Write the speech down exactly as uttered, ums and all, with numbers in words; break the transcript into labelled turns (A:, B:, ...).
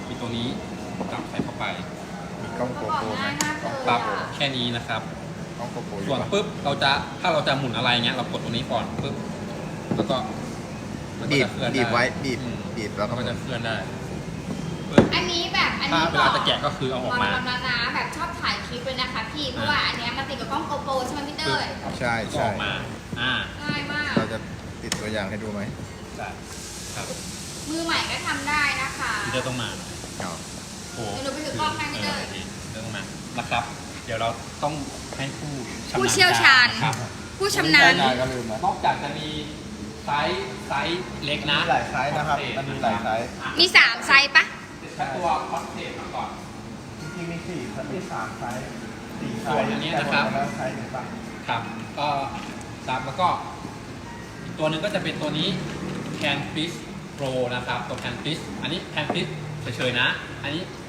A: มีตัวนี้จับใส่เข้าไป
B: มีกล้องโกโปรไหมกล้อง
A: ปั๊บแค่นี้นะครับ
B: กล้องโกโปรอยู่
A: ส่วน
B: ปะ
A: ปุ๊บเราจะถ้าเราจะหมุนอะไรเงี้ยเรากดตรงนี้ก่อนปุ๊บแล้วก็มันก็
B: บีบ
A: จะเคลื่อน
B: บีบไว้
A: ด้
B: บีบ
A: อืม
B: บีบแล้วก็
A: มัน
B: ห
A: ก็
B: มุน
A: จะเคลื่อนได้ปึ๊บ
C: อันนี้แบบอัน
A: ถ้า
C: นี้
A: เวลาจะแกะก็คือเอาออกมา
C: บแล้วนะแบบชอบถ่ายคลิปเลยนะคะพี่เพราะว่าอันเนี้ยมันติดกับกล้องโกโปรใช่ไหมพี่เต้ย
B: ใช่
A: ก็
B: ใช่
A: ออกมาอ่า
C: ง่ายมาก
B: เราจะติดตัวอย่างให้ดูไหม
A: ได้ครับ
C: มือใหม่ก็ทำได้นะคะ
A: พี่เต้ต้องมา
B: เอา
A: โอ้
C: เดี๋ยวหนูไปถือกล้องให้พี่เต้ย
A: ออพี่เต้ต้องมานะครับ เดี๋ยวเราต้องให้ผู้ชำนาญ
C: ผู้เชี่ยวชาญ
A: ครับ
C: ผู้ชำนาญ
B: ได้ก็ลืมนะ
A: นอกจากจะมีไซส์ไซส์เล็กนะ
B: มีหลายไซส์นะครับมันมีหลายไซส์
C: มีสามไซส์ปะ
A: แค่ตัวคอนเทนต์มาก่อน
B: จริงๆมีสี่มีสามไซส์สี่ไซ
A: ส่วน
B: ส์
A: อันนี้นะครับ
B: แล้วไซส์ไหนบ้าง
A: ครับก็ครับแล้วก็อีกตัวหนึ่งก็จะเป็นตัวนี้ Can Fish Pro นะครับตัว Can Fish อันนี้ Can Fish เฉยๆนะ อันนี้